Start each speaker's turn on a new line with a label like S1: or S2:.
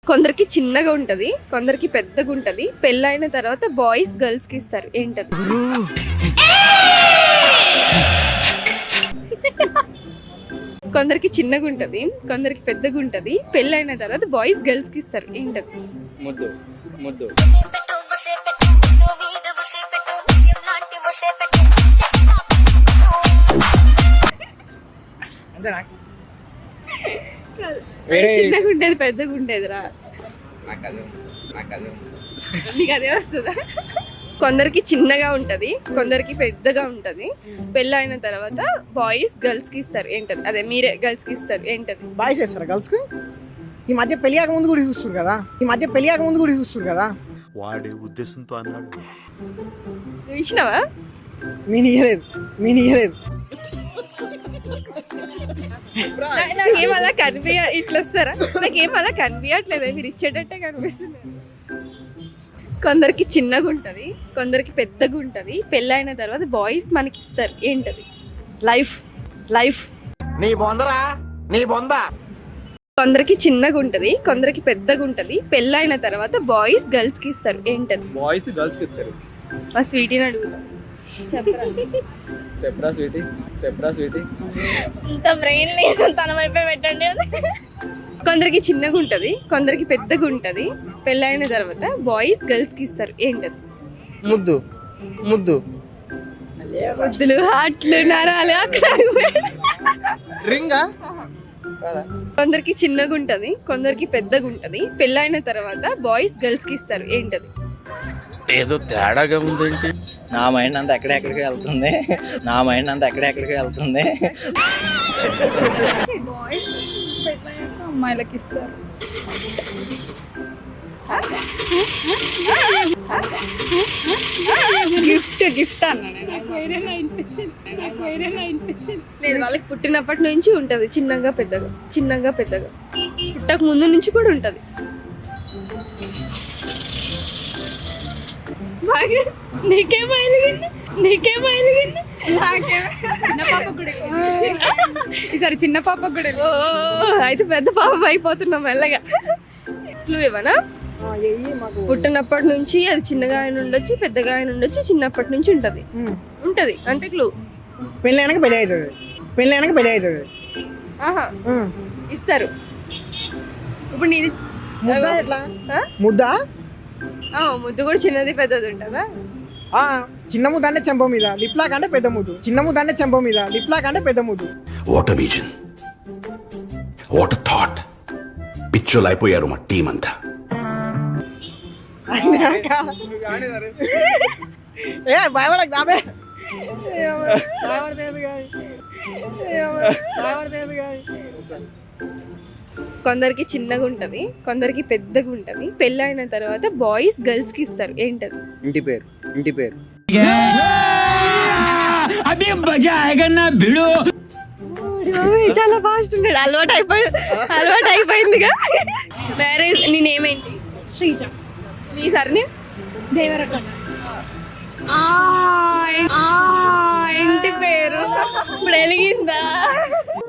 S1: కొందరికి చిన్నగా ఉంటది, కొందరికి పెద్దగా ఉంటది. పెళ్ళైన తర్వాత బాయ్స్ గర్ల్స్ కి ఇస్తారు. ఏంటది? కొందరికి చిన్నగా ఉంటది, కొందరికి పెద్దగా ఉంటది. పెళ్ళైన తర్వాత బాయ్స్ గర్ల్స్ కి ఇస్తారు. ఏంటది?
S2: ముద్దు ముద్దు
S1: చిన్నగా ఉండేది పెద్దగా ఉండేది రా.
S2: నాకు అదే వస్తుంది.
S1: నీకు అదే వస్తుందా? కొందరికి చిన్నగా ఉంటది, కొందరికి పెద్దగా ఉంటది. పెళ్ళైన తర్వాత బాయ్స్ గర్ల్స్ కి ఇస్తారు. ఏంటది? అదే మీరే గర్ల్స్ కి ఇస్తారు. ఏంటది?
S3: బాయ్స్ వేస్తారా గర్ల్స్ కి? ఈ మధ్య పెళ్లి ముందు కూడా చూస్తారు కదా.
S4: వాడే ఉద్దేశంతో అన్నాడు.
S1: నువ్వు ఇచ్చినావా?
S3: నేను ఇయ్యలేదు.
S1: నాకేం అలా ఇట్లా వస్తారా? నాకేం అలా కనిపించట్లేదు, మీరు ఇచ్చేటట్టే కనిపిస్తుంది. కొందరికి చిన్నగా ఉంటది, కొందరికి పెద్దగా ఉంటది. పెళ్ళైన తర్వాత బాయ్స్ మనకి ఇస్తారు. ఏంటది? లైఫ్. కొందరికి చిన్నగా ఉంటది, కొందరికి పెద్దగా ఉంటది. పెళ్ళైన తర్వాత బాయ్స్ గర్ల్స్ కి ఇస్తారు. ఏంటది?
S2: బాయ్స్ గర్ల్స్ కి ఇస్తారు.
S1: మా స్వీటీని అడుగుతా.
S2: చెప్పరా స్వీటీ
S5: ఇంత బ్రెయిన్ లేదు, తన వైపే పెట్టండి.
S1: కొందరికి చిన్నగా ఉంటది, కొందరికి పెద్దగా ఉంటది. పెళ్ళైన తర్వాత బాయ్స్ గర్ల్స్ కి ఇస్తారు. ఏంటది?
S3: ముద్దు
S1: ముద్దులు, హార్ట్లు, నరాలు అక్కడ.
S3: రింగా
S1: కొందరికి చిన్నగా ఉంటది, కొందరికి పెద్దగా ఉంటది. పెళ్ళైన తర్వాత బాయ్స్ గర్ల్స్ కి ఇస్తారు. ఏంటది?
S4: ఏదో తేడాగా ఉందేంటి?
S6: నా మైండ్ అంతా ఎక్కడెక్కడికి వెళ్తుంది.
S5: బాయ్స్ అమ్మాయిలకి ఇస్తారు. గిఫ్ట్ అన్నా నాకు వేరేలా అనిపించింది.
S1: లేదు, వాళ్ళకి పుట్టినప్పటి నుంచి ఉంటది చిన్నగా పెద్దగా. పుట్టక ముందు నుంచి కూడా ఉంటది.
S5: నీకేమో ఎలిగింది చిన్న పాప కూడా ఈసారి చిన్న పాప కూడా
S1: అయితే పెద్ద పాపం అయిపోతున్నాం మెల్లగా. నువ్వు ఇవ్వనా? పుట్టినప్పటి నుంచి అది చిన్నగా ఆయన ఉండొచ్చు, పెద్దగా ఆయన ఉండొచ్చు. చిన్నప్పటి నుంచి ఉంటది అంతే. క్లూ.
S3: పెళ్ళైనాక పెళ్ళి అవుతుంది.
S1: ఆహా, ఇస్తారు. ఇప్పుడు నీది
S3: ముద్ద ఎట్లా?
S1: ఆ? ముద్దు కూడా చిన్నది పెద్దది ఉంటుందా?
S3: చిన్న ముద్ద అంటే చెంప మీద, లిప్లా కంటే పెద్ద ముద్దు.
S4: What vision, what thought. పిచ్చోలు అయిపోయారు మా టీం అంతా.
S3: భయపడకు దాబే.
S1: కొందరికి చిన్నగా ఉంటది, కొందరికి పెద్దగా ఉంటది. పెళ్ళైన తర్వాత బాయ్స్ గర్ల్స్ కి ఇస్తారు. ఏంటది?
S3: ఇంటి పేరు.
S1: చాలా ఫాస్ట్ ఉన్నాడు. అలవాటు అయిపోయిందిగా. మ్యారేజ్. నీ నేమ్ ఏంటి?
S5: శ్రీజ.
S1: నీ సర్నేమ్?
S5: దేవరకొండ. ఇంటి పేరు
S1: ఇప్పుడు వెలిగిందా?